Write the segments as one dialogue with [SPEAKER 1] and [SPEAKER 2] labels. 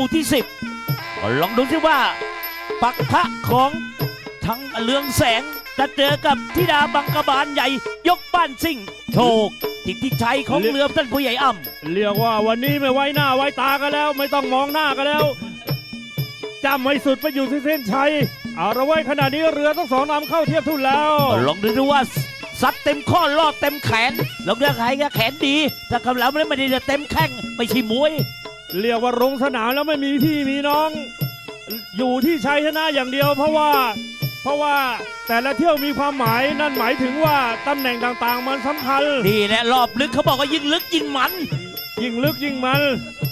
[SPEAKER 1] มู่ที่10ก็ลองดูสิว่าปักพระของทั้งเรืองแสงจะเจอกับธิดาบังกบาลใหญ่ยกบ้านซิ่งโชคทิศชัยของเรือท่านผู้ใหญ่อ้ำ
[SPEAKER 2] เรียกว่าวันนี้ไม่ไว้หน้าไว้ตากันแล้วไม่ต้องมองหน้ากันแล้วจำให้สุดไปอยู่ที่เส้นชัยเอาละไว้ขณะนี้เรือทั้งสองลำเข้าเทียบทุนแล้ว
[SPEAKER 1] ลองดูว่าซัดเต็มข้อลอดเต็มแขนลองเรือใครก็แขนดีถ้าคำแล้วไม่ได้เต็มแข้งไม่ใช่มวย
[SPEAKER 2] เรียกว่าลงสนามแล้วไม่มีพี่มีน้องอยู่ที่ชัยชนะอย่างเดียวเพราะว่าแต่ละเที่ยวมีความหมายนั่นหมายถึงว่าตำแหน่งต่างๆมันสำคัญ
[SPEAKER 1] นี่แหละรอบลึกเขาบอกว่ายิ่งลึกยิ่งมัน
[SPEAKER 2] ยิ่งลึกยิ่งมัน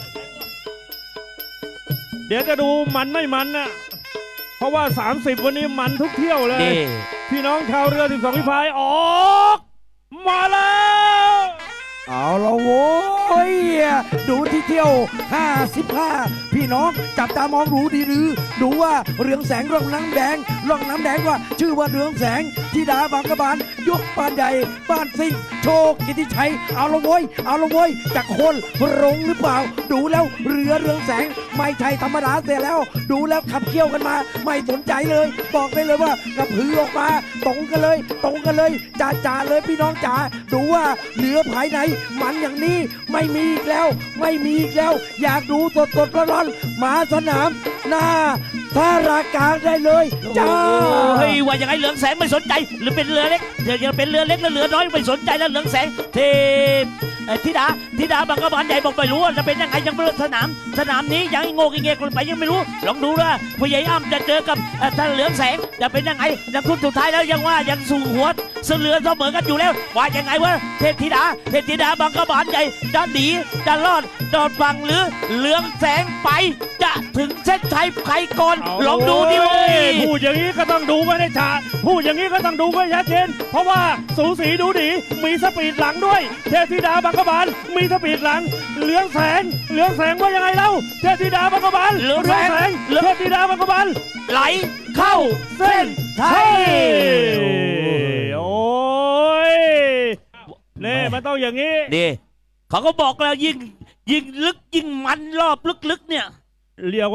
[SPEAKER 2] เดี๋ยวจะดูมันไม่มันนะเพราะว่า30วันนี้มันทุกเที่ยวเลยพี่น้องชาวเรือ12ฝีพายออกมาแล้ว
[SPEAKER 3] เอาละโว้ยดูที่เที่ยว55พี่น้องจับตามองดูดีหรือดูว่าเรืองแสงร่องน้ำแดงว่าชื่อว่าเรืองแสงธิดาบางกะบาลยกบ้านใหญ่บ้านซิ่งโชคกิติชัยเอาละโว้ยจากคนรงหรือเปล่าดูแล้วเรืองแสงไม่ใช่ธรรมดาเสียแล้วดูแล้วขับเคี่ยวกันมาไม่สนใจเลยบอกได้เลยว่ากระพือออกมาตรงกันเลยจ่าเลยพี่น้องจ๋าดูว่าเหลือภายในมันอย่างนี้ไม่มีอีกแล้วอยากดูสดร้อนมาสนามหน้าท่ารากลางได้เลยจ้า
[SPEAKER 1] เฮ้ยว่าอย่างไรเหลืองแสงไม่สนใจหรือเป็นเรือเล็กยังเป็นเรือเล็กแล้วเรือน้อยไม่สนใจแล้วเหลืองแสงเทธิดาบางกะบาลใหญ่บอกไม่รู้ว่าจะเป็นยังไงยังไม่รู้สนามนี้ยังโง่เงี้ยคนไปยังไม่รู้ลองดูว่าผู้ใหญ่อ้ำจะเจอกับท่านเหลืองแสงจะเป็นยังไงยังทุนสุดท้ายแล้วยังว่ายังสู่หัวเรือเสมอกันอยู่แล้วว่ายังไงวะเทพธิดาบางกะบาลใหญ่จะหนีจะรอดโดดฝั่งหรือเหลืองแสงไปจะถึงเส้นชัยใครก่อนลองดูดิเว้ย
[SPEAKER 2] พูดอย่างนี้ก็ต้องดูไว้ในฉากพูดอย่างนี้ก็ต้องดูไว้ชัดเจนเพราะว่าสูสีดูดีมีสปีดหลังด้วยเทพธิดาบางกะบาลมีสปีดหลังเหลืองแสงว่ายังไงเล่าเทพธิดาบางกะบาลเหลืองแสงเทพธิดาบางกะบาล
[SPEAKER 1] ไหลเข้าเส้นชัย
[SPEAKER 2] โอ้ยเน่มันต้องอย่างนี้
[SPEAKER 1] ดิเขาก็บอกแล้วยิ่งลึกยิ่งมันรอบลึกๆเนี่ย
[SPEAKER 2] เรียก